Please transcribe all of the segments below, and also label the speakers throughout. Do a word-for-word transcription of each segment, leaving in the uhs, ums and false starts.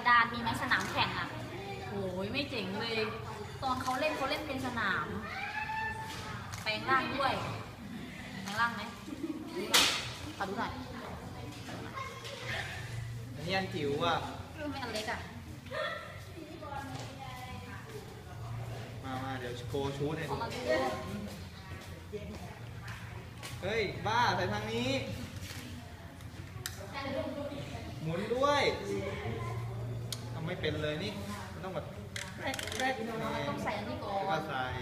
Speaker 1: ระดานมีไหมสนามแข่งอ่ะโอ้ยไม่เจ๋งเลยตอนเขาเล่นเขาเล่นเป็นสนามแปลงร่างด้วยแปลงร่างไหมขอดูหน่อย
Speaker 2: อันนี้อันจิ๋วอ่ะ
Speaker 1: ไม่อันเล็กอ่ะ
Speaker 2: มามาเดี๋ยวโชว์ชูดให้ดู
Speaker 1: เอามาดู
Speaker 2: เฮ้ยบ้าใส่ทางนี้หมุนด้วยทำไม่เป็นเลยนี่มันต้องแบบ
Speaker 1: ต้องใส่อันนี้ก่อ
Speaker 2: ก็
Speaker 1: น
Speaker 2: ใส่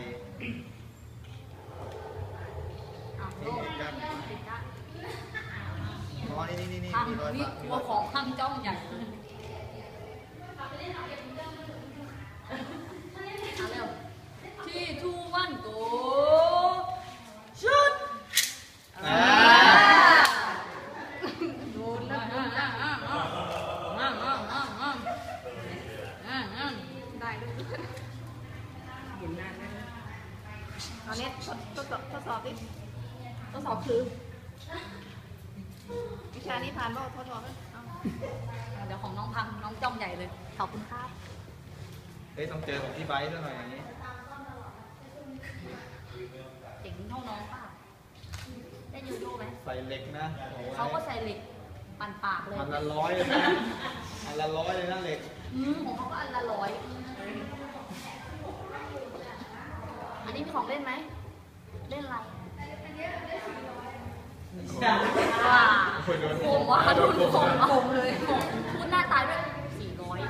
Speaker 1: อ้าวโลกปิดได้
Speaker 2: อ๋อนี่นี่นี่
Speaker 1: ทาง
Speaker 2: มีรอย
Speaker 1: นี่
Speaker 2: ปะ
Speaker 1: กลัวของข้างจ้องใหญ่เอาเร็วที่ทูวันโกชุด
Speaker 2: อ่า
Speaker 1: โดนแล้วโดนแล้วได้ด้วยหมุนนานไหมเอาเน็ตทดทดสอบทดสอบดิทดสอบคือวิชานี้ผ่านบ่ทดสอบไหมเดี๋ยวของน้องพังน้องจ้องใหญ่เลยขอบคุณครับ
Speaker 2: เฮ้ยต้องเจอของพี่ไบค์ซะหน่อยอย่างนี้
Speaker 1: เจ๋งเท่าน้องป่ะได้ยูโรไหม
Speaker 2: ใส่เหล็กนะ
Speaker 1: เขาก็ใส่เหล็กปั่นปากเลย
Speaker 2: อันละร้อยเลยนะอันละร้อยเลยนะเหล็ก
Speaker 1: อืมของเขาก็อันละร้อยอันนี้มีของเล่นไหมเล่นอะไรว้าผมว่าโดนผมผมเลยพูดหน้าตายด้วยสี่ร้อย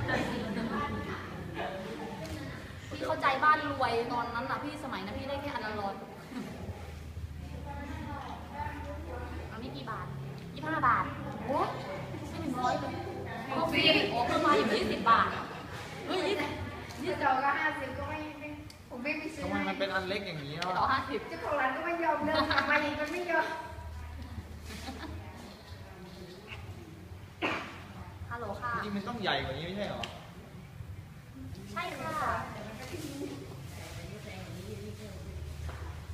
Speaker 1: พี่เข้าใจบ้านรวยตอนนั้นน่ะพี่สมัยนั้นพี่ได้แค่อันละร้อยอันนี้กี่บาทยี่ห้าบาทโอ้ไม่ถึงร้อยเลยก็ฟรีโอ้เพิ่มมาอยู่ยี่สิบบาทเฮ้ยยี่สิบ
Speaker 3: ยี่สิบก็ห้าสิบก็ไม่ผมไม่ไปซื้อ
Speaker 2: ทำไมมันเป็นอันเล็กอย่างนี้อ่ะ
Speaker 1: ต่อห้าสิบ
Speaker 3: เจ้าของร้านก็ไม่ยอมเดินมาอีกมันไม่ยอม
Speaker 1: ฮัลโหลค่ะ
Speaker 2: จริงมันต้องใหญ่กว่านี้ไม่ใช่หรอ
Speaker 1: ใช่ค่ะ